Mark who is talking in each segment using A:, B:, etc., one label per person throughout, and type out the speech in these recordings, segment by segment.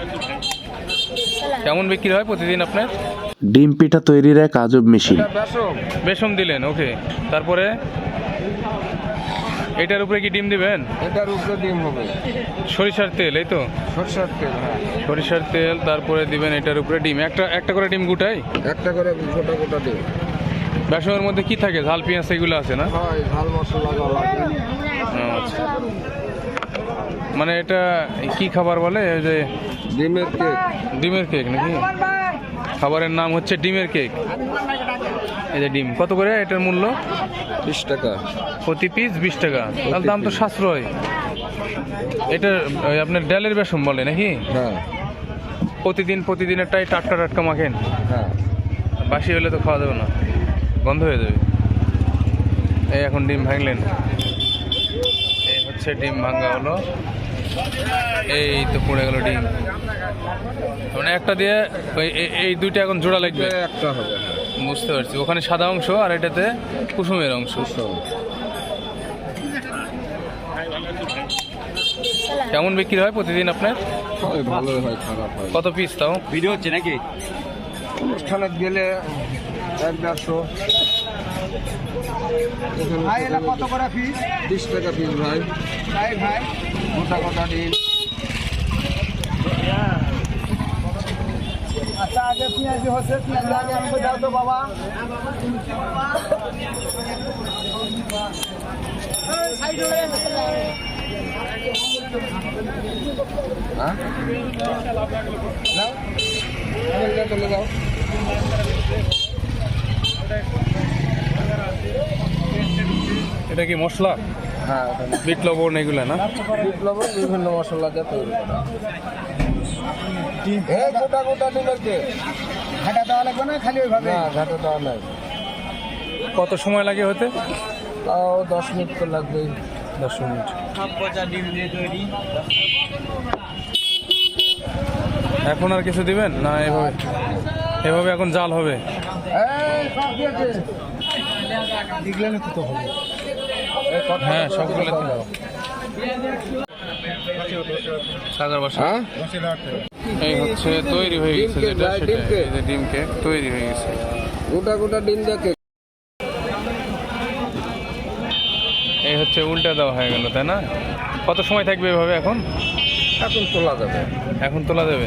A: কেমন বিক্রি হয় প্রতিদিন আপনার?
B: ডিম পিঠা তৈরির এক আজব মেশিন।
A: বেসম দিলেন, ওকে। তারপরে এটার উপরে কি ডিম দিবেন?
C: এটার উপরে ডিম হবে
A: সরিষার তেল, এই তো
C: সরষের তেল। হ্যাঁ,
A: সরিষার তেল, তারপরে দিবেন এটার উপরে ডিম। একটা করে ডিম গুটাই।
C: একটা করে গোটা গোটা ডিম।
A: বেসমের মধ্যে কি থাকে? ঝাল পেঁয়াজ এগুলো আছে না?
C: হয়, ঝাল মশলা লাগে।
A: আচ্ছা, মানে এটা কি খাবার বলে? ওই যে
C: ডিমের কেক।
A: ডিমের কেক নাকি? খাবারের নাম হচ্ছে ডিমের কেক। এই যে ডিম কত করে এটার মূল্য?
C: 20 টাকা
A: প্রতি পিস 20 টাকা। তাহলে দাম তো সাশ্রয়। এটা ওই আপনার ডালের বেসম বলে নাকি?
C: হ্যাঁ
A: প্রতিদিনেরটাই টাটকা টাটকা মাখেন?
C: হ্যাঁ।
A: বাসি হলে তো খাওয়া যাবে না, গন্ধ হয়ে যাবে। এই এখন ডিম ভাঙলেন, এই হচ্ছে ডিম ভাঙা হলো। এই তো পড়ে গেল ডিম, মানে একটা দিয়ে এই দুইটা এখন জোড়া লাগবে।
C: একটা হবে। হ্যাঁ,
A: বুঝতে পারছি। ওখানে সাদা অংশ আর এটাতে কুসুমের অংশ। কেমন বিক্রি হয় প্রতিদিন আপনার?
C: হয়, ভালোই হয়, খারাপ হয়।
A: কত পিস তাও?
D: ভিডিও হচ্ছে নাকি?
C: অনুষ্ঠানে গেলে 1-150।
D: কত করে পিস?
C: 20 টাকা পিস ভাই।
D: ভাই
C: গোটা গোটা ডিম।
D: আচ্ছা, আগে পেঁয়াজি হচ্ছে, পেঁয়াজি আগে আমাকে দাও তো বাবা।
C: হ্যাঁ, নাও, চলে যাও।
A: এটা কি মশলা?
C: হ্যাঁ,
A: বিট লবণ এগুলো না?
C: বিপ্লবের বিভিন্ন মশলা দিয়ে তৈরি করা। এই গোটা গোটা ডিমের কেক।
D: ঘাটা দেওয়া লাগবে না, খালি ওইভাবে?
C: না, ঘাটে দেওয়া নাই।
A: কত সময় লাগে হতে?
C: তাও 10 মিনিট তো লাগবেই।
A: 10 মিনিট। এখন আর কিছু দিবেন না? এভাবে এখন জাল হবে? হ্যাঁ, সবগুলো সাগর বাসা।
C: হ্যাঁ,
A: এই হচ্ছে তৈরি হয়ে গেছে যেটা, সেটা এই যে ডিম কেক তৈরি হয়ে গেছে।
C: গোটা গোটা ডিম দিয়ে কেক।
A: এই হচ্ছে উল্টা দেওয়া হয়ে গেল, তাই না? কত সময় থাকবে এভাবে এখন?
C: এখন তোলা যাবে।
A: এখন তোলা যাবে।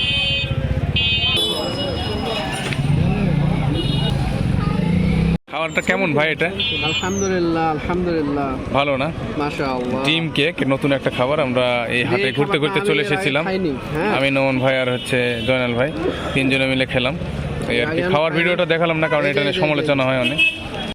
A: খাবারটা কেমন ভাই এটা?
D: আলহামদুলিল্লাহ, আলহামদুলিল্লাহ,
A: ভালো না?
D: মাশাআল্লাহ।
A: ডিম কেক নতুন একটা খাবার। আমরা এই হাটে ঘুরতে ঘুরতে চলে এসেছিলাম। আমি, নমন ভাই আর হচ্ছে জয়নাল ভাই, তিনজনে মিলে খেলাম। এই আর কি। খাওয়ার ভিডিওটা দেখালাম না কারণ এটা নিয়ে সমালোচনা হয় অনেক।